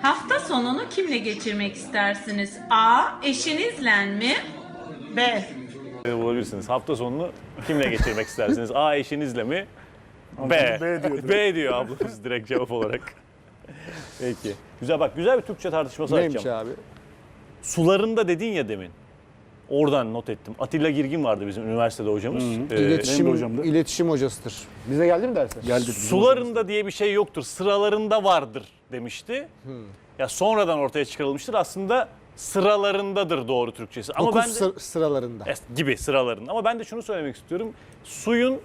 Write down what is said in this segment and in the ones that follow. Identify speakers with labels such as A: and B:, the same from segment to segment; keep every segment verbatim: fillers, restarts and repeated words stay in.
A: Hafta sonunu kimle geçirmek istersiniz? A. Eşinizle mi? B.
B: Bulabilirsiniz. Hafta sonunu kimle geçirmek istersiniz? A. Eşinizle mi? B.
C: B diyor.
B: B diyor ablamız direkt cevap olarak. Peki. Güzel bak, güzel bir Türkçe tartışması
D: Neymiş
B: açacağım.
D: abi?
B: Sularında dedin ya demin. Oradan not ettim. Atilla Girgin vardı bizim üniversitede hocamız. Ee,
C: benim de
D: İletişim,
C: hocamdı.
D: iletişim hocasıdır. Bize geldi mi dersler?
C: Geldi.
B: Sularında diye bir şey yoktur. Sıralarında vardır demişti. Ya sonradan ortaya çıkarılmıştır. Aslında sıralarındadır doğru Türkçesi. Ama
D: Dokuz
B: ben de,
D: sı- sıralarında.
B: Es- gibi sıralarında. Ama ben de şunu söylemek istiyorum. Suyun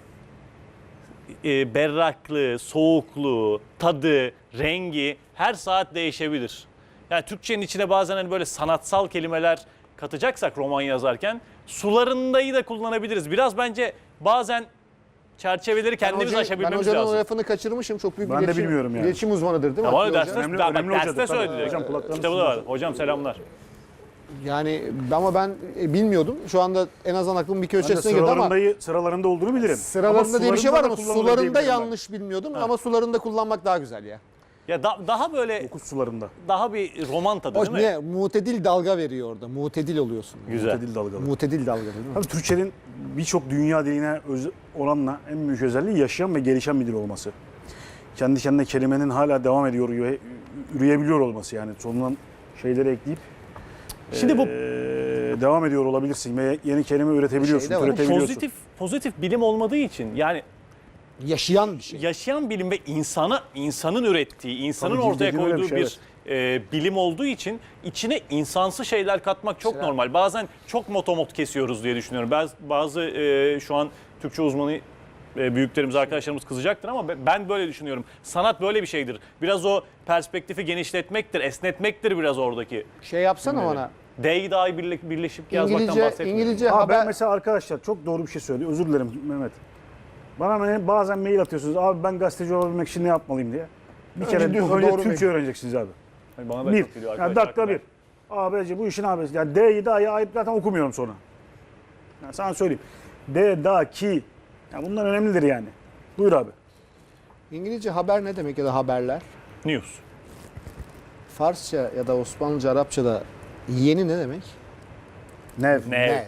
B: e, berraklığı, soğukluğu, tadı, rengi her saat değişebilir. Yani Türkçenin içine bazen hani böyle sanatsal kelimeler katacaksak roman yazarken sularındayı da kullanabiliriz. Biraz bence bazen çerçeveleri kendimiz
D: hocayı- ben
B: aşabilmemiz
D: hocanın
B: lazım.
D: o lafını kaçırmışım. Çok büyük
C: Ben
D: bir
C: de
D: iletişim,
C: bilmiyorum yani.
D: iletişim uzmanıdır değil mi?
B: Ama
D: Atilla
B: derste,
D: Hoca?
C: Önemli-
B: bak,
C: önemli
B: derste
C: hocadır, tabii.
B: söyledi.
C: Hocam kulaklarını
B: Kitabı da var.
C: sınırlı.
B: Hocam selamlar.
D: Yani ama ben e, bilmiyordum. Şu anda en azından aklımın bir
C: Ben de
D: köşesine girdi ama
C: sıralarında, sıralarında olduğunu bilirim.
D: sıralarında
C: Ama
D: diye bir şey var ama
C: sularında da kullanılır
D: sularında
C: diyebilirim ben.
D: yanlış bilmiyordum ama sularında kullanmak daha güzel ya.
B: Ya da- daha böyle
C: Dokuz sularında.
B: daha bir roman tadı
D: O
B: değil mi?
D: ne? Mutedil dalga veriyor orada. Mutedil oluyorsun.
B: Güzel.
C: Mutedil dalgalı.
D: Mutedil dalga değil mi?
C: Tabii Türkçenin birçok dünya diline öz- oranla en büyük özelliği yaşayan ve gelişen bir dil olması. Kendi kendine kelimenin hala devam ediyor, üre- üreyebiliyor olması yani sonundan şeyleri ekleyip
B: Şimdi bu
C: eee, devam ediyor olabilirsin ve yeni kelime üretebiliyorsun,
D: Şey de var,
C: türetebiliyorsun.
B: pozitif pozitif bilim olmadığı için yani
D: Yaşayan bir şey.
B: yaşayan bilim ve insana insanın ürettiği, insanın
C: Tabii,
B: ortaya
C: dediğin öyle bir
B: koyduğu
C: şey,
B: bir e, bilim olduğu için içine insansı şeyler katmak çok
D: Mesela-
B: normal. Bazen çok motomot kesiyoruz diye düşünüyorum. Bazı, bazı e, şu an Türkçe uzmanı e, büyüklerimiz, arkadaşlarımız kızacaktır ama be- ben böyle düşünüyorum. Sanat böyle bir şeydir. Biraz o perspektifi genişletmektir, esnetmektir biraz oradaki.
D: Şey yapsana bana.
B: D'yi daha iyi birle- birleşip yazmaktan
D: İngilizce,
B: bahsetmiyorum.
D: İngilizce
C: Abi
D: haber...
C: ben mesela arkadaşlar çok doğru bir şey söyledi. Özür dilerim Mehmet. Bana hani bazen mail atıyorsunuz. Abi ben gazeteci olabilmek için ne yapmalıyım diye. Bir
D: Önce
C: kere
D: diyor,
C: önce
D: doğru
C: Türkçe
D: mail.
C: öğreneceksiniz abi.
B: Yani bana da
C: Bir.
B: çok geliyor
C: Yani
B: arkadaşlar.
C: dakika bir. Abeci bu işin abisi. Yani D'yi D'yi ayıp zaten okumuyorum sonra. Yani sana söyleyeyim. D, da, ki. Yani bunlar önemlidir yani. Buyur abi.
D: İngilizce haber ne demek ya da haberler?
B: News.
D: Farsça ya da Osmanlıca, Arapçada yeni ne demek?
C: Nev.
B: Ne?
D: Nev.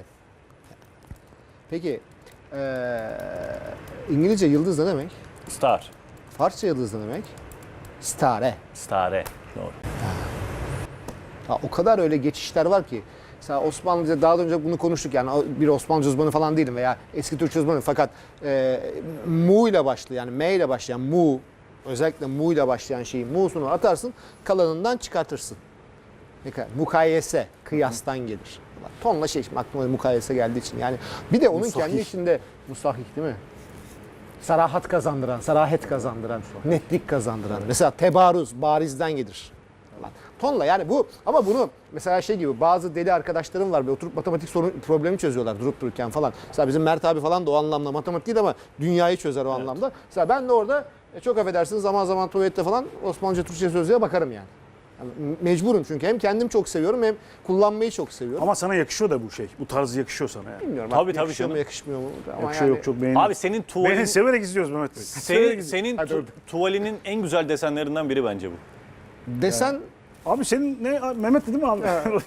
D: Peki eee, İngilizce yıldız ne demek?
B: Star.
D: Farsça yıldız ne demek? Stare.
B: Stare. Doğru.
D: Ha, o kadar öyle geçişler var ki. Mesela Osmanlıca daha önce bunu konuştuk yani bir Osmanlıca uzmanı falan değilim veya eski Türkçe uzmanı fakat e, mu ile başlayan yani m ile başlayan mu özellikle mu ile başlayan şeyi mu'sunu atarsın kalanından çıkartırsın. Ne kadar? Mukayese, kıyastan gelir. Tonla şey şimdi aklıma mukayese geldiği için yani bir de onun
C: Musahih.
D: kendi içinde musahih değil mi? Sarahat kazandıran, sarahet kazandıran, netlik kazandıran. Mesela tebaruz, barizden gelir. Falan. Tonla yani bu ama bunu mesela şey gibi bazı deli arkadaşlarım var ve oturup matematik sorun problemi çözüyorlar durup dururken falan. Mesela bizim Mert abi falan da o anlamda matematik değil ama dünyayı çözer o anlamda. Mesela ben de orada e, çok affedersiniz zaman zaman tuvalette falan Osmanlıca Türkçe sözlüğe bakarım yani. Yani mecburum çünkü hem kendim çok seviyorum hem kullanmayı çok seviyorum.
C: Ama sana yakışıyor da bu şey. Bu tarz yakışıyor sana yani.
D: Bilmiyorum
B: Tabii,
D: artık
B: tabii
D: yakışıyor mu
B: canım.
D: yakışmıyor mu ama
C: Yakışıyor
D: yani
C: yok çok beğendim.
B: Abi senin tuvalin...
C: Beni severek izliyoruz Mehmet Bey. Severek
B: Senin,
C: izliyoruz.
B: senin
C: Hadi
B: tu-
C: öyle.
B: tuvalinin en güzel desenlerinden biri bence bu.
D: desen
C: Abi senin ne? Mehmet değil mi abi?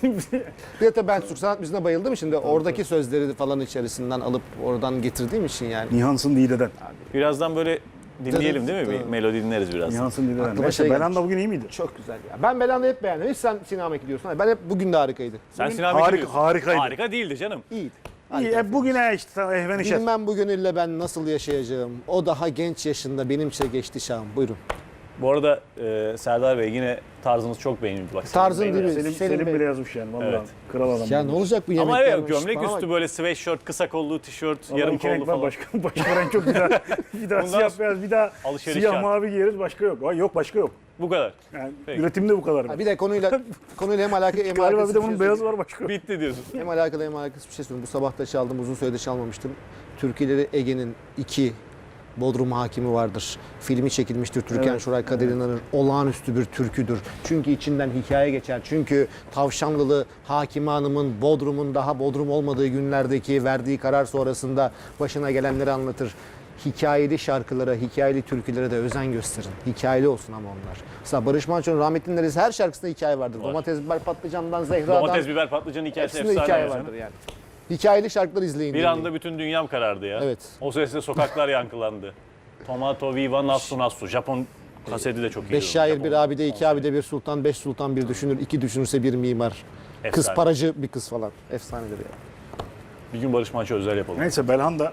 D: bir de ben Türk sanat müziğine bayıldım şimdi oradaki sözleri falan içerisinden alıp oradan getirdiğim için yani.
C: Nihansın Dide'den.
B: Birazdan böyle dinleyelim değil mi? Bir
D: Tamam.
B: melodi dinleriz birazdan.
C: Nihansın Dide'den.
D: Aklıma
C: Neyse
D: şey
C: Belanda
D: gelmiş.
C: bugün iyi miydi?
D: Çok güzel ya. Ben Belanda'yı hep beğendim. Hiç sen Siname gidiyorsun. Ben hep bugün de harikaydı.
B: Sen
C: Bugün
B: Sinan
C: harika-
B: Bekir diyorsun.
C: harikaydı.
B: Harika değildi canım.
D: İyiydi.
C: İyi, e, bugüne işte tamam, ehven işer.
D: Bilmem bu gönülle ben nasıl yaşayacağım. O daha genç yaşında benimse geçti şahım. Buyurun.
B: Bu arada e, Serdar Bey yine tarzınız çok beğenildi. Bak,
D: Tarzın
B: Selim Bey de.
D: değil mi?
C: Selim,
D: Selim
C: Selim
D: Bey.
C: bile yazmış yani. Vallahi
B: Evet.
C: kral adam.
D: Ya ne olacak bu yemekler?
B: Ama evet
D: olmuş?
B: gömlek
D: Bana
B: üstü
D: bak.
B: böyle sweatshirt, kısa kollu tişört,
C: Vallahi
B: yarım
C: iki renk
B: kollu
C: var,
B: falan.
C: Başka, başka renk yok. Bir daha, bir daha
B: Bundan
C: siyah beyaz, bir daha
B: alışveriş
C: siyah
B: şart.
C: mavi giyeriz. Başka yok. Ay, yok başka yok.
B: Bu kadar.
C: Yani
B: Peki.
C: üretimde bu kadar.
D: Ha, bir de konuyla konuyla hem alakalı hem
C: Galiba
D: alakasız
C: bir de
D: bir
C: bunun
D: şey
C: beyazı
D: söyleyeyim.
C: var başka yok.
B: Bitti diyorsun.
D: Hem alakalı hem alakasız bir şey söyleyeyim. Bu sabah da çaldım. Uzun süredir çalmamıştım. Türkiye'leri Ege'nin iki Bodrum Hakimi vardır. Filmi çekilmiştir. Türkan
C: Evet,
D: Şoray Kadir İnanır'ın olağanüstü bir türküdür. Çünkü içinden hikaye geçer. Çünkü Tavşanlılı Hakime Hanım'ın Bodrum'un daha Bodrum olmadığı günlerdeki verdiği karar sonrasında başına gelenleri anlatır. hikayeli şarkılara, hikayeli türkülere de özen gösterin. Hikayeli olsun ama onlar. Mesela Barış Manço'nun rahmetli neresi her şarkısında hikaye vardır.
B: Var.
D: Domates, biber, patlıcandan, Zehra'dan.
B: Domates, biber, patlıcan hikayesi
D: Hepsinde
B: efsane.
D: hikaye
B: ya.
D: vardır yani. Hikayeli şarkılar izleyin.
B: Bir
D: dinleyin.
B: anda bütün dünyam karardı ya.
D: Evet.
B: O sesle sokaklar yankılandı. Tomato viva nassu nassu. Japon kaseti de çok iyi.
D: Beş şair, bir abide, iki abide, bir sultan, beş sultan, bir düşünür, iki düşünürse bir mimar. Kız
B: Efsane.
D: paracı bir kız falan. Efsanedir ya.
B: Bir gün Barış Manço özel yapalım.
C: Neyse Belhanda.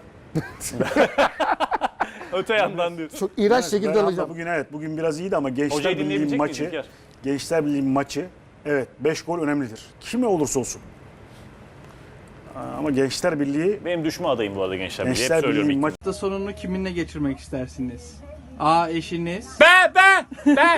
B: Öte yandan diyor.
D: Çok iğrenç şekilde
C: Belhanda
D: alacağım.
C: bugün evet bugün biraz iyiydi ama Gençler
B: Hocayı
C: Birliği
B: dinleyebilecek miyiz
C: maçı
B: İlker?
C: Gençler Birliği maçı evet beş gol önemlidir. Kime olursa olsun. Aa, Ama Gençler Birliği
B: Benim düşme adayım bu arada Gençler Birliği. Hep
C: Gençler
B: söylüyorum
C: Birliği
B: ilk.
C: maçı
E: Hafta sonunu kiminle geçirmek istersiniz? A. Eşiniz.
F: Ben ben ben